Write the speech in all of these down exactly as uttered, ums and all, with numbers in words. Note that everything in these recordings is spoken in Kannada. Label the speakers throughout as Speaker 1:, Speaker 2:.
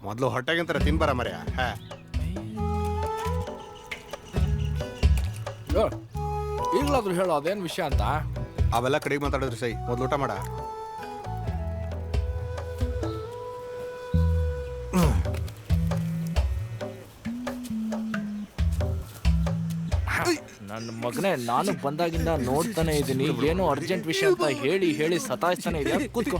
Speaker 1: ಮೊದಲು ಹೊಟ್ಟೆಗಂತರ ತಿನ್ಬಾರ ಮರ್ಯ. ಹಾ
Speaker 2: ಈಗಲಾದ್ರೂ ಹೇಳೋ ಅದೇನು ವಿಷಯ ಅಂತ.
Speaker 1: ಅವೆಲ್ಲ ಕಡೆಗೆ ಮಾತಾಡಿದ್ರಿ ಸೈ, ಮೊದಲು ಊಟ ಮಾಡ.
Speaker 2: ನನ್ನ ಮಗನೇ, ನಾನು ಬಂದಾಗಿಂದ ನೋಡ್ತಾನೆ ಇದ್ದೀನಿ, ಏನೋ ಅರ್ಜೆಂಟ್ ವಿಷಯ ಅಂತ ಹೇಳಿ ಹೇಳಿ ಸತಾಯಿಸ್ತಾನೆ ಇದೆಯಾ. ಕೂತ್ಕೋ.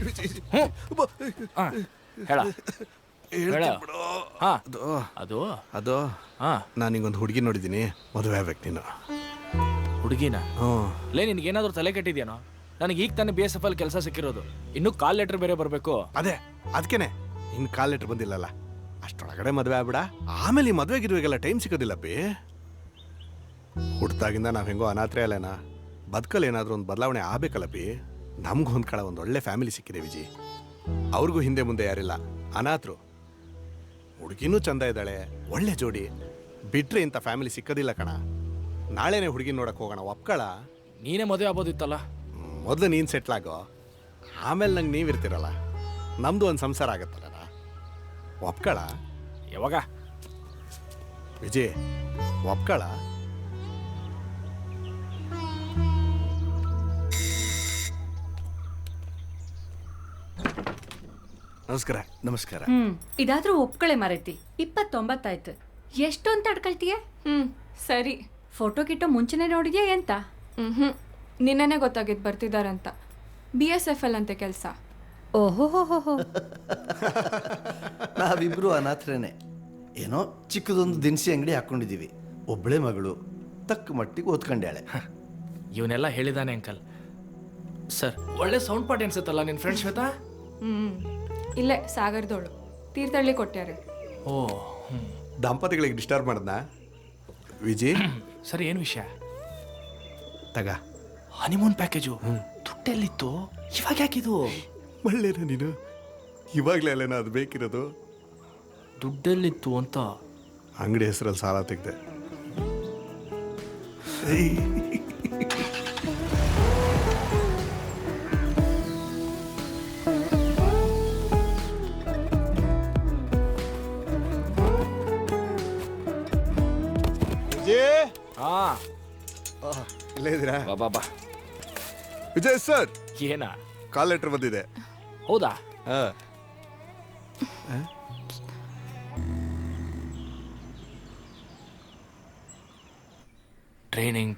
Speaker 2: ಹೇಳ ಹೇಳ. ಹಾ ಅದು
Speaker 1: ಅದು
Speaker 2: ಹಾ
Speaker 1: ನಾನು ಹಿಂಗೊಂದು ಹುಡುಗಿ ನೋಡಿದ್ದೀನಿ, ಮದುವೆ ಆಗ್ಬೇಕು ನೀನು.
Speaker 2: ಹುಡುಗಿನ?
Speaker 1: ಹ್ಞೂ.
Speaker 2: ಲೇ, ನಿನ್ಗೇನಾದ್ರೂ ತಲೆ ಕೆಟ್ಟಿದ್ಯಾನೋ? ನನಗೆ ಈಗ ತಾನೇ ಬಿ ಎಸ್ ಎಫ್ ಅಲ್ಲಿ ಕೆಲಸ ಸಿಕ್ಕಿರೋದು, ಇನ್ನೂ ಕಾಲ್ ಲೆಟರ್ ಬೇರೆ ಬರಬೇಕು.
Speaker 1: ಅದೇ ಅದಕ್ಕೇನೆ ಇನ್ನು ಕಾಲ್ ಲೆಟರ್ ಬಂದಿಲ್ಲಲ್ಲ, ಅಷ್ಟೊಳಗಡೆ ಮದುವೆ ಆಗ್ಬಿಡ. ಆಮೇಲೆ ಈ ಮದುವೆ ಗಿರುವೆಗೆಲ್ಲ ಟೈಮ್ ಸಿಗೋದಿಲ್ಲ ಬಿ. ಹುಡ್ತಾಗಿಂದ ನಾವು ಹೆಂಗೋ ಅನಾಥರೇ ಅಲ್ಲೇನಾ, ಬದುಕಲ್ಲಿ ಏನಾದರೂ ಒಂದು ಬದಲಾವಣೆ ಆಗಬೇಕಲ್ಲ ಬಿ. ನಮ್ಗೆ ಹೊಂದ್ಕೊಳ್ಳೋ ಒಂದು ಒಳ್ಳೆ ಫ್ಯಾಮಿಲಿ ಸಿಕ್ಕಿದೆ ವಿಜಿ. ಅವ್ರಿಗೂ ಹಿಂದೆ ಮುಂದೆ ಯಾರಿಲ್ಲ, ಅನಾಥರು. ಹುಡುಗಿನೂ ಚಂದ ಇದ್ದಾಳೆ, ಒಳ್ಳೆ ಜೋಡಿ. ಬಿಟ್ರೆ ಇಂಥ ಫ್ಯಾಮಿಲಿ ಸಿಕ್ಕೋದಿಲ್ಲ ಕಣ. ನಾಳೆನೇ ಹುಡುಗಿ ನೋಡಕ್ಕೆ ಹೋಗೋಣ, ಒಪ್ಕೊಳ.
Speaker 2: ನೀನೇ ಮದುವೆ ಆಗ್ಬೋದಿತ್ತಲ್ಲ.
Speaker 1: ಮೊದಲು ನೀನು ಸೆಟ್ಲಾಗೋ, ಆಮೇಲೆ ನಂಗೆ ನೀವಿರ್ತಿರಲ್ಲ, ನಮ್ಮದು ಒಂದು ಸಂಸಾರ ಆಗತ್ತಲ್ಲ. ಒಪ್ಕೊಳ.
Speaker 2: ಯಾವಾಗ
Speaker 1: ವಿಜಯ್, ಒಪ್ಕೊಳ. ನಮಸ್ಕಾರ.
Speaker 3: ನಮಸ್ಕಾರ.
Speaker 4: ಹ್ಮ್ ಇದಾದ್ರೂ ಒಪ್ಕಳೆ ಮಾರೈತಿ. ಇಪ್ಪತ್ತೊಂಬತ್ತಾಯ್ತು, ಎಷ್ಟು ಅಂತ ಅಡ್ಕೊಳ್ತೀಯ?
Speaker 5: ಹ್ಮ್ ಸರಿ.
Speaker 4: ಫೋಟೋ ಗಿಟ್ಟೋ ಮುಂಚೆನೆ ನೋಡಿದ್ಯಾ ಎಂತ?
Speaker 5: ಹ್ಮ್ ಹ್ಮ್ ನಿನ್ನೆನೆ ಗೊತ್ತಾಗಿದ್ದು ಬರ್ತಿದಾರಂತ. ಬಿ ಎಸ್ ಎಫ್ ಎಲ್ ಅಂತೆ ಕೆಲಸ.
Speaker 4: ಓಹೋ ಹೋ ಹೋ ಹೋ.
Speaker 3: ನಾವಿಬ್ರು ಅನಾಥರೇನೆ. ಏನೋ ಚಿಕ್ಕದೊಂದು ದಿನಸಿ ಅಂಗಡಿ ಹಾಕೊಂಡಿದ್ದೀವಿ. ಒಬ್ಬಳೆ ಮಗಳು, ತಕ್ಕ ಮಟ್ಟಿಗೆ ಓದ್ಕೊಂಡ್ಯಾಳೆ.
Speaker 2: ಇವನ್ನೆಲ್ಲ ಹೇಳಿದಾನೆ ಅಂಕಲ್. ಸರ್, ಒಳ್ಳೆ ಸೌಂಡ್ ಪಾರ್ಟ್ ಅನ್ಸುತ್ತಲ್ಲ ನಿನ್ನ ಫ್ರೆಂಡ್ ಶ್ವೇತಾ?
Speaker 5: ಹ್ಮ್ ಇಲ್ಲೇ ಸಾಗರದೋಳು, ತೀರ್ಥಹಳ್ಳಿ ಕೊಟ್ಟ್ಯಾರೆ.
Speaker 2: ಓ
Speaker 1: ದಂಪತಿಗಳಿಗೆ ಡಿಸ್ಟರ್ಬ್ ಮಾಡದ್ನಾ ವಿಜಿ?
Speaker 2: ಸರಿ, ಏನು ವಿಷಯ?
Speaker 1: ತಗ
Speaker 2: ಹನಿಮೂನ್ ಪ್ಯಾಕೇಜು. ದುಡ್ಡೆಲ್ಲಿತ್ತು, ಇವಾಗ ಯಾಕಿದು?
Speaker 1: ಒಳ್ಳೇನ ನೀನು, ಇವಾಗಲೇ ಅಲ್ಲೇನ ಅದು ಬೇಕಿರೋದು.
Speaker 2: ದುಡ್ಡೆಲ್ಲಿತ್ತು ಅಂತ
Speaker 1: ಅಂಗಡಿ ಹೆಸರಲ್ಲಿ ಸಾಲ ತೆಗ್ದೆ.
Speaker 2: ಹಾ
Speaker 1: ಇಲ್ಲೇ ಇದ್ದೀರಾ?
Speaker 2: ಬಾಬಾ ಬಾ.
Speaker 1: ವಿಜಯ್ ಸರ್,
Speaker 2: ಏನ?
Speaker 1: ಕಾಲ್ ಲೆಟರ್ ಬಂದಿದೆ.
Speaker 2: ಹೌದಾ?
Speaker 1: ಹಾ.
Speaker 2: ಟ್ರೈನಿಂಗ್